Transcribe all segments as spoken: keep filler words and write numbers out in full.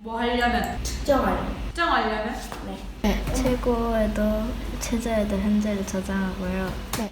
뭐 하려면? 측정하려. 측정하려면? 네. 네. 최고에도 최저에도 현재를 저장하고요. 네.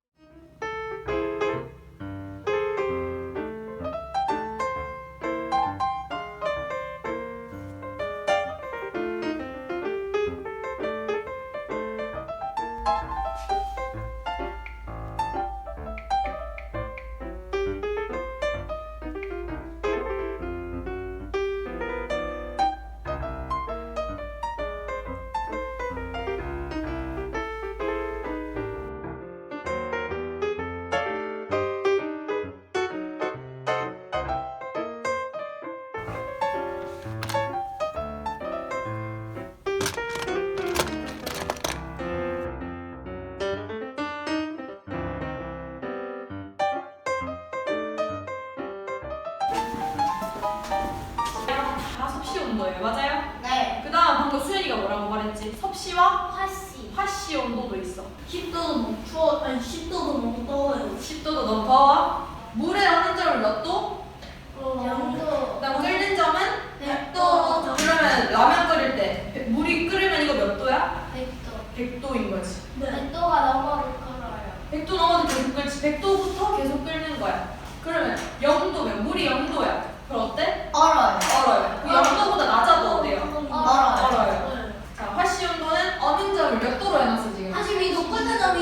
다 섭씨 온도예요, 맞아요? 네. 그 다음 방금 수연이가 뭐라고 말했지? 섭씨와 화씨. 화씨 온도도 있어. 십 도도 너무 추워. 아니 십 도도 너무 더워요. 십 도도 너무 더워. 물에 어는 점은 몇 도? 영도. 그다음 끓는 점은 백 도. 그러면 라면 끓일 때 백- 물이 끓으면 이거 몇 도야? 백 도. 백 도인 거지. 백 도가 넘어도 끓어요. 백 도 넘어도 계속 끓지. 백 도부터 계속 끓는 거야. 그러면 영 도면 물이 영 도야. 그럼 어때? 얼어요. 얼어요. 그 영 도보다 낮아도 어때요? 얼어요. 얼어요. 자, 화씨 온도는 어는 점을 몇 도로 해놨어 지금? 사십이 도 끓는 점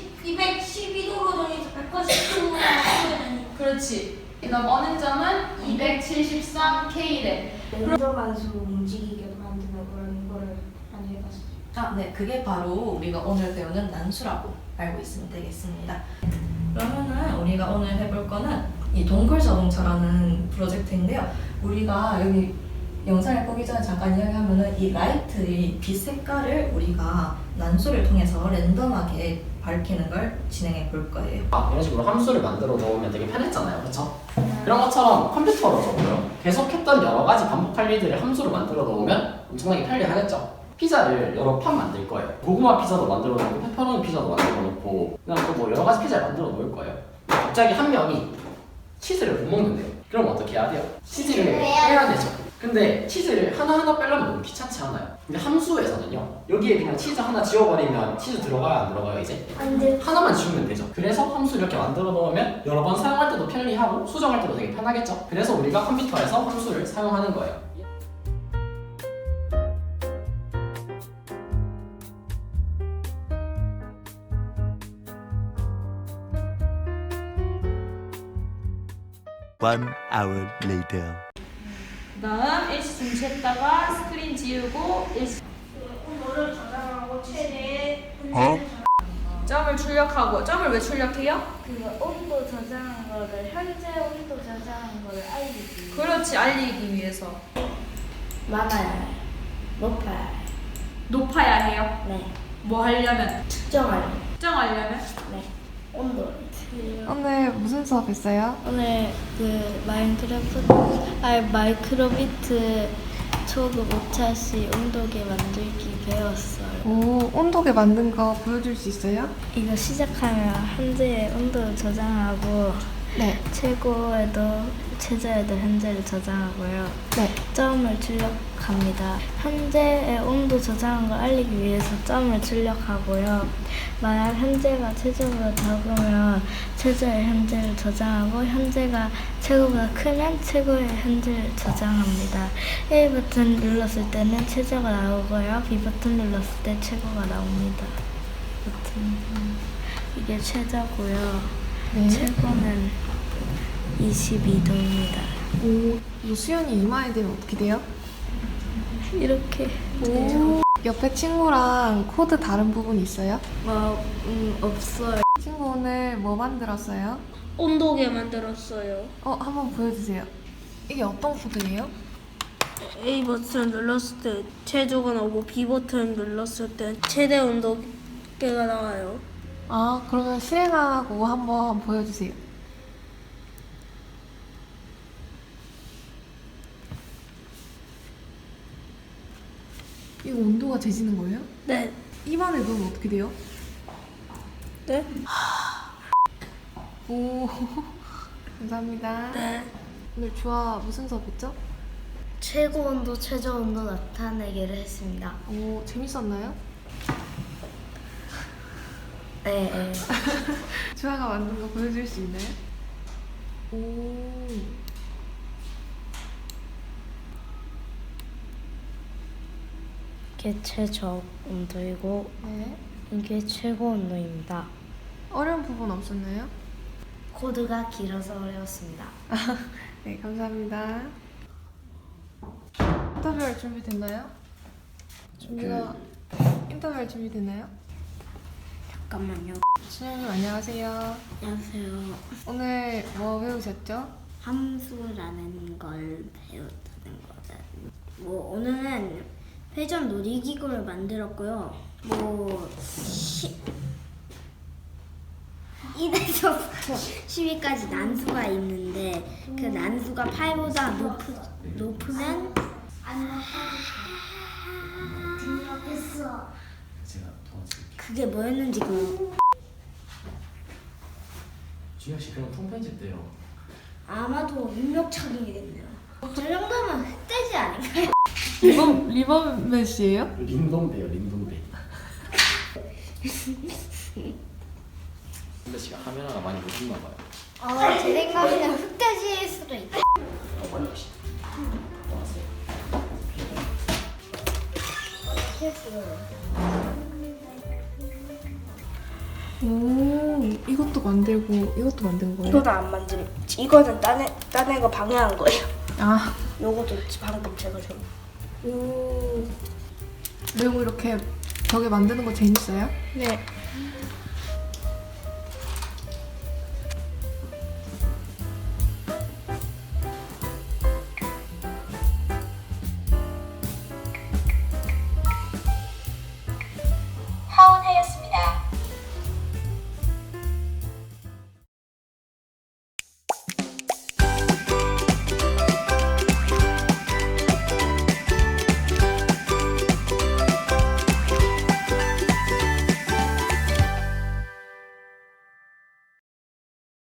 이백십이 도로 정해서 백팔십 도로 그렇지. 그다음 어는 점은 이백칠십삼 켈빈. 연소관수 움직이게 만드는 그런 거를 많이 해봤어요. 아, 네, 그게 바로 우리가 오늘 배우는 난수라고 알고 있으면 되겠습니다. 그러면은 우리가 오늘 해볼 거는 이 동굴 자동차라는 프로젝트인데요. 우리가 여기 영상을 보기 전에 잠깐 이야기하면은 이 라이트의 빛 색깔을 우리가 난수를 통해서 랜덤하게 밝히는 걸 진행해 볼 거예요. 아, 이런 식으로 함수를 만들어 놓으면 되게 편했잖아요, 그렇죠? 그런 것처럼 컴퓨터로서도요. 계속했던 여러 가지 반복할 일들을 함수로 만들어 놓으면 엄청나게 편리하겠죠. 피자를 여러 판 만들 거예요. 고구마 피자도 만들어 놓고 페퍼로니 피자도 만들어 놓고 그냥 또 뭐 여러 가지 피자를 만들어 놓을 거예요. 갑자기 한 명이 치즈를 못 먹는데요. 그럼 어떻게 해야 돼요? 치즈를 빼야 되죠. 근데 치즈를 하나하나 빼려면 너무 귀찮지 않아요? 근데 함수에서는요, 여기에 그냥 치즈 하나 지워버리면 치즈 들어가요, 안 들어가요, 이제? 안 돼. 하나만 지우면 되죠. 그래서 함수 이렇게 만들어 놓으면 여러 번 사용할 때도 편리하고 수정할 때도 되게 편하겠죠. 그래서 우리가 컴퓨터에서 함수를 사용하는 거예요. One hour later. 그다음 일시 중지했다가 스크린 지우고 일시 온도를 저장하고 최대 어? 점을 출력하고. 점을 왜 출력해요? 그 온도 저장한 거를 현재 온도 저장한 거를 알리기. 그렇지, 알리기 위해서. 많아요. 높아요. 높아야 해요. 네. 뭐 하려면? 측정하려. 측정하려면? 네. 온도. 오늘 무슨 수업 했어요? 오늘 그 마인크래프트 아 마이크로비트 초급 오 차시 온도계 만들기 배웠어요. 오, 온도계 만든 거 보여줄 수 있어요? 이거 시작하면 현재의 온도 저장하고 네. 최고에도 최저에도 현재를 저장하고요. 네. 점을 출력합니다. 현재의 온도 저장한 걸 알리기 위해서 점을 출력하고요. 만약 현재가 최저보다 작으면 최저의 현재를 저장하고 현재가 최고보다 크면 최고의 현재를 저장합니다. A 버튼 눌렀을 때는 최저가 나오고요. B 버튼 눌렀을 때 최고가 나옵니다. 버튼 이게 최저고요. 네. 최고는 이십이 도입니다. 오, 이 수연이 이마에 대면 어떻게 돼요? 이렇게 오. 옆에 친구랑 코드 다른 부분 있어요? 뭐 음, 없어요. 친구 오늘 뭐 만들었어요? 온도계 만들었어요. 어, 한번 보여주세요. 이게 어떤 코드예요? A 버튼 눌렀을 때 최저가 나오고 B 버튼 눌렀을 때 최대 온도계가 나와요. 아, 그러면 실행하고 한번 보여주세요. 이거 온도가 재지는 거예요? 네. 입안에 넣으면 어떻게 돼요? 네? 오, 감사합니다. 네. 오늘 주아 무슨 수업했죠? 최고 온도, 최저 온도 나타내기를 했습니다. 오, 재밌었나요? 네, 네. 주아가 만든 거 보여줄 수 있나요? 오. 이게 최저 온도이고 네. 이게 최고 온도입니다. 어려운 부분 없었나요? 코드가 길어서 어려웠습니다. 네, 감사합니다. 인터뷰할 준비 됐나요? 준비가 인터뷰할 준비 됐나요? 잠깐만요. 준영님 안녕하세요. 안녕하세요. 오늘 뭐 배우셨죠? 함수라는 걸 배웠다는 거는 뭐 오늘은 회전 놀이기구를 만들었고요. 뭐 일에서부터 십까지 난수가 있는데 그 난수가 팔보다 높으, 높으면 제가 도와드릴게요. 그게 뭐였는지 그 준혁 씨 그럼 통편집 돼요. 아마도 입력착이겠네요. 저 정도면 흑돼지 아닌가요? 리범 리범 메시예요? 림동배요, 림동배. 근데 씨가 카메라가 많이 못 있나 봐요. 어, 제 생각에는 흑돼지일 수도 있다. 어머니 씨. 왔어요. 오, 이것도 만들고 이것도 만든 거예요? 이거는 안 만듦. 이거는 딴, 애, 딴 애가 방해한 거예요. 아, 요것도 방금 제가 좀. 오. 매우 이렇게 벽에 만드는 거 재밌어요? 네.